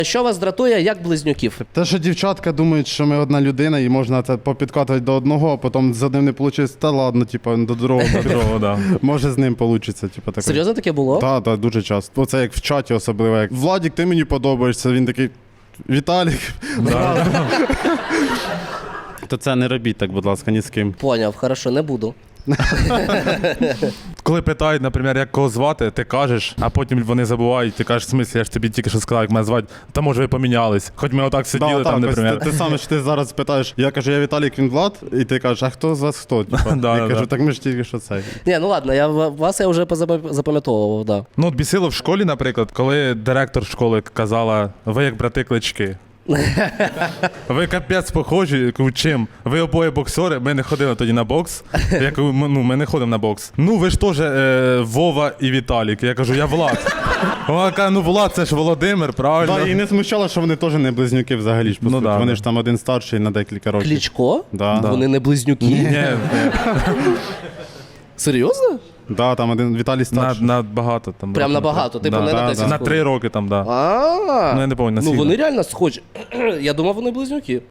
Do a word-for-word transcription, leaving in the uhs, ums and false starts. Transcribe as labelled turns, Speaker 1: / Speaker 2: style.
Speaker 1: Що вас дратує, як близнюків?
Speaker 2: Те, що дівчатка думають, що ми одна людина і можна це попідкатувати до одного, а потім з одним не вийде, та ладно, типу, до другого.
Speaker 3: До другого, да.
Speaker 2: Може з ним вийде, типу таке.
Speaker 1: Серйозно таке було?
Speaker 2: Так, так, дуже часто. Оце як в чаті особливо, як Владік, ти мені подобаєшся, він такий, Віталік.
Speaker 3: Да.
Speaker 2: То це не робіть так, будь ласка, ні з ким.
Speaker 1: Поняв, хорошо, не буду.
Speaker 3: Коли питають, наприклад, як кого звати, ти кажеш, а потім вони забувають, ти кажеш, в смислі, я ж тобі тільки що сказав, як мене звати, та може ви помінялись. Хоч ми отак сиділи
Speaker 2: Да,
Speaker 3: там,
Speaker 2: так, ось
Speaker 3: наприклад.
Speaker 2: ти, ти саме, що ти зараз питаєш, я кажу, я Віталік, він Влад, і ти кажеш, а хто з вас хто? Типа,
Speaker 3: Да,
Speaker 2: я
Speaker 3: да,
Speaker 2: кажу,
Speaker 3: да.
Speaker 2: так ми ж тільки що це.
Speaker 1: Ні, ну ладно, я вас я вже позапам- запам'ятовував, да.
Speaker 3: Ну, от бісило в школі, наприклад, коли директор школи казала, ви як брати-клички. Ви капець похожі, кажу, чим? Ви обоє боксери, ми не ходили тоді на бокс. Я кажу, «Ми- ну, ми не ходимо на бокс. Ну, ви ж теж е, Вова і Віталік. Я кажу, я Влад. Вона каже, ну Влад, це ж Володимир, правильно?
Speaker 2: Да, і не смущало, що вони теж не близнюки взагалі ж, по
Speaker 3: Ну,
Speaker 2: суті.
Speaker 3: да,
Speaker 2: Вони
Speaker 3: да.
Speaker 2: ж там один старший на декілька років.
Speaker 1: Кличко?
Speaker 2: Да.
Speaker 1: Вони не близнюки?
Speaker 3: Ні, ні,
Speaker 1: Серйозно?
Speaker 2: Да, там один Віталій
Speaker 3: на,
Speaker 2: старший.
Speaker 3: на багато там.
Speaker 1: Прям
Speaker 3: років,
Speaker 1: набагато, типу
Speaker 3: да.
Speaker 1: не на
Speaker 2: да,
Speaker 1: десять
Speaker 3: На
Speaker 1: років.
Speaker 3: три роки там, да.
Speaker 1: А,
Speaker 3: Ну, я не пам'ятаю,
Speaker 1: ну
Speaker 3: наскільки.
Speaker 1: вони реально схожі. Я думав, вони близнюки.